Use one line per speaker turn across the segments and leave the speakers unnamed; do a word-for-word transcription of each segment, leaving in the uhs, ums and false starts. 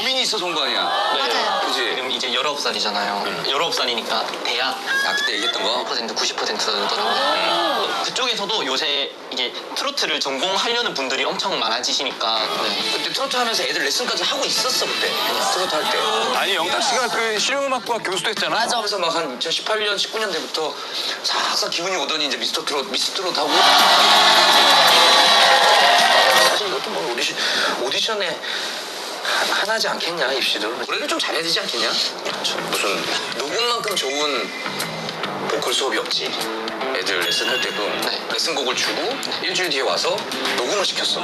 고민이 있어서 온 거 아니야?
맞아요.
그지?
지금 이제 열아홉 살이잖아요.
응.
열아홉 살이니까 대학
아, 그때 얘기했던 거?
십 퍼센트, 구십 퍼센트더라고요. 그쪽에서도 요새 이게 트로트를 전공하려는 분들이 엄청 많아지시니까. 네.
그때 트로트 하면서 애들 레슨까지 하고 있었어, 그때. 트로트 할 때.
아니 영탁 씨가 그 실용음악과 교수도 했잖아.
맞아. 그래서 막 한 이천십팔 년, 십구 년 때부터 싹싹 기분이 오더니 이제 미스터 트롯, 미스 트롯 하고. 사실 이것도 뭐 오디션, 오디션에 하- 하나지 않겠냐, 입시도. 노래를 좀 잘해야 되지 않겠냐? 무슨 녹음만큼 좋은 보컬 수업이 없지. 애들 레슨 할 때도
네.
레슨곡을 주고 일주일 뒤에 와서 녹음을 시켰어.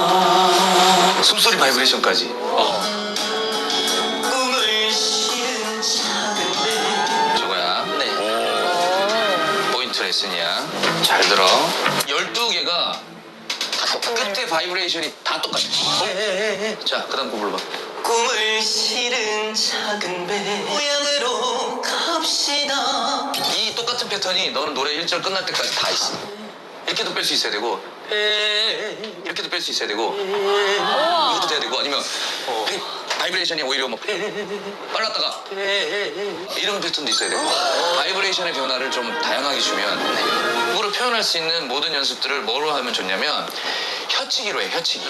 숨소리 바이브레이션까지. 어.
꿈을 실은 작은
저거야.
네.
포인트 레슨이야. 잘 들어. 열두 개가 끝에 바이브레이션이 다 똑같아. 자, 그 다음 거 불러봐.
꿈을 실은 작은 배 고향으로 갑시다.
이 똑같은 패턴이 너는 노래 일 절 끝날 때까지 다 있어. 이렇게도 뺄 수 있어야 되고 이렇게도 뺄 수 있어야 되고 이것도 돼야 되고 아니면 바이브레이션이 오히려 뭐 빨랐다가 이런 패턴도 있어야 되고 바이브레이션의 변화를 좀 다양하게 주면 그거를 표현할 수 있는 모든 연습들을 뭐로 하면 좋냐면 혀치기로 해. 혀치기.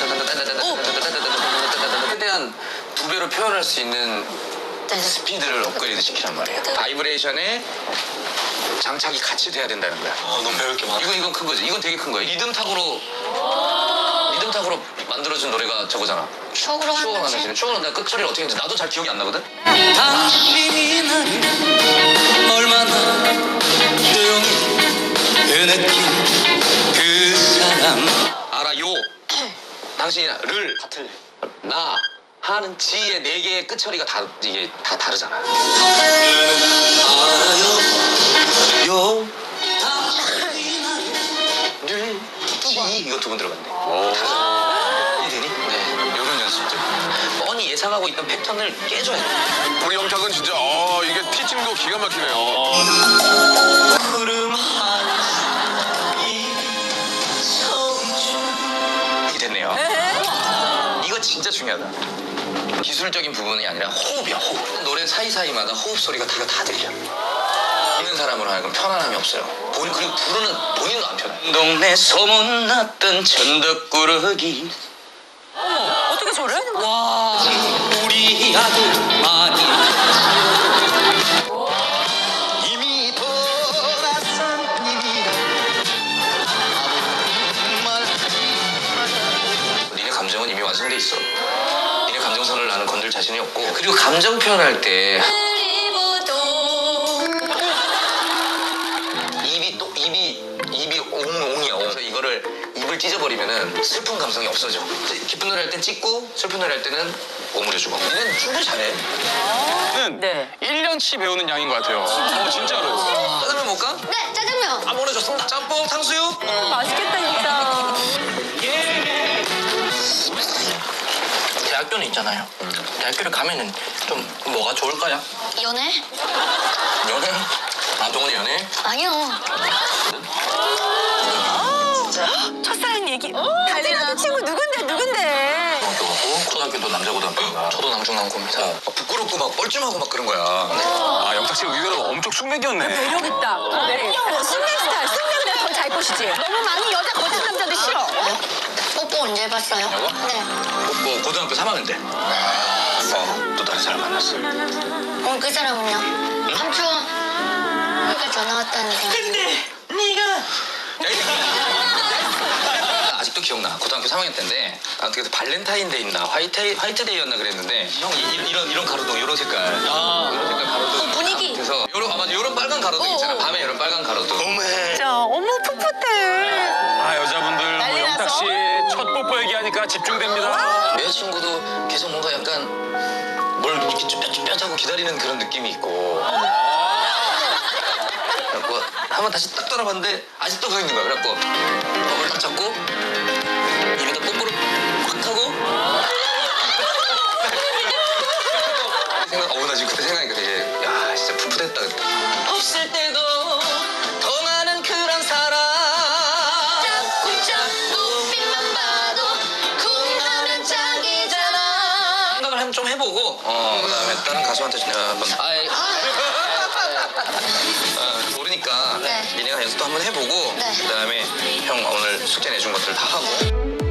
최대한 두 배로 표현할 수 있는
네.
스피드를 업그레이드 시키란 말이에요. 바이브레이션에 장착이 같이 돼야 된다는 거야.
아, 너무 배울 게 많아.
이건 이건 큰 거지. 이건 되게 큰 거야. 리듬 탁으로 리듬 탁으로 만들어준 노래가 저거잖아.
추억으로
추억을
하는
하나 지는 추억을 나 끝소리 어떻게 했는지 나도 잘 기억이 안 나거든.
당신이 나를 얼마나 조용히 느낀 그 사람.
알아 요. 당신이 를
같을래.
나 하는 지의 네 개의 끝처리가 다 이게 다 다르잖아.
알아요. 요.
를, 지 이거 두 번 들어간대. 다르잖아. 이해되니? 네. 이런 연습들. 뻔히 예상하고 있던 패턴을 깨줘야 돼.
우리 영탁은 진짜 어 이게 티칭도 기가 막히네요.
구름 하늘이 청춘.
이게 됐네요. 이거 진짜 중요하다. 기술적인 부분이 아니라 호흡이야, 호흡. 노래 사이사이마다 호흡 소리가 다, 다 들려. 듣는 사람으로 하여금 편안함이 없어요. 본, 그리고 부르는 본인도 안 편해. 동네 소문났던 천덕꾸러기.
어떻게 저래?
와, 우리 아들 아니야.
이미 돌아선 님이라 니네 감정은 이미 완성돼 있어. 니네 감정선을 나는 건들 자신이 없고. 그리고 감정 표현할 때 입이 또 입이 입이 옹옹이야. 그래서 이거를 입을 찢어버리면은 슬픈 감성이 없어져. 기쁜 노래 할 땐 찢고 슬픈 노래 할 때는 오므려주고. 니는 충분히 잘해.
는
네.
일 년치 배우는 양인 것 같아요. 어 진짜로.
짜장면 먹을까?
네, 짜장면.
아 보내줬습니다. 짬뽕 탕수육.
맛있겠다 진짜.
대학교는 있잖아요. 대학교를 가면은 좀 뭐가 좋을까요?
연애?
연애? 아 동원이 연애?
아니요.
첫사랑 얘기. 달리는 친구 누군데 누군데?
중학교 가고 초등학교도 남자 고등학교인가.
저도 남중남고입니다.
아, 부끄럽고 막 뻘쭘하고 막 그런 거야.
아 영탁 씨 의외로 엄청 숙맥이었네.
매력 있다. 승리 스타일. 승리보다 더 잘 것이지. 너무 많은 여자 거친 남자들 싫어.
뽀뽀 언제 해봤어요?
여보?
네.
뭐 고등학교 삼 학년 때. 어, 또 다른 사람 만났어.
어, 그 사람은요? 삼촌. 그러니까 전화 왔다니까.
근데 네가
아직도 기억나. 고등학교 삼 학년 때인데 어떻게 해서 발렌타인데이 있나 화이트 화이트데이였나 그랬는데 형 이, 이런 이런 가로등 이런 색깔
아.
이런 색깔 가로등.
어, 분위기.
그래서 요런 아 맞아 요런 빨간 가로등 있잖아.
어, 어.
밤에 요런 빨간 가로등.
너무해.
자, 어머 풋풋해.
아 여자분들 뭐
난리
영탁
나서.
씨 첫 뽀뽀 얘기하니까 집중됩니다.
여자친구도 계속 뭔가 약간 뭘 이렇게 쭈뼛쭈뼛하고 기다리는 그런 느낌이 있고. 그래갖고 한번 다시 딱 돌아봤는데 아직도 서 있는 거야. 그래갖고 밥을 딱 잡고 입에다 뽀뽀를 확 하고 생각, 어우 나 지금 그때 생각하니까 되게 야 진짜 풋풋했다 그때. 없을 때도 더 많은 그런 사람
자꾸 자꾸 빛만 봐도 쿵 하면 짝이잖아.
생각을 하면 좀 해보고 어 그다음에 다른 가수한테 내가 한번
아이,
어, 모르니까
네.
니네가 연습도 한번 해보고
네.
그다음에 형 오늘 숙제 내준 것들 다 하고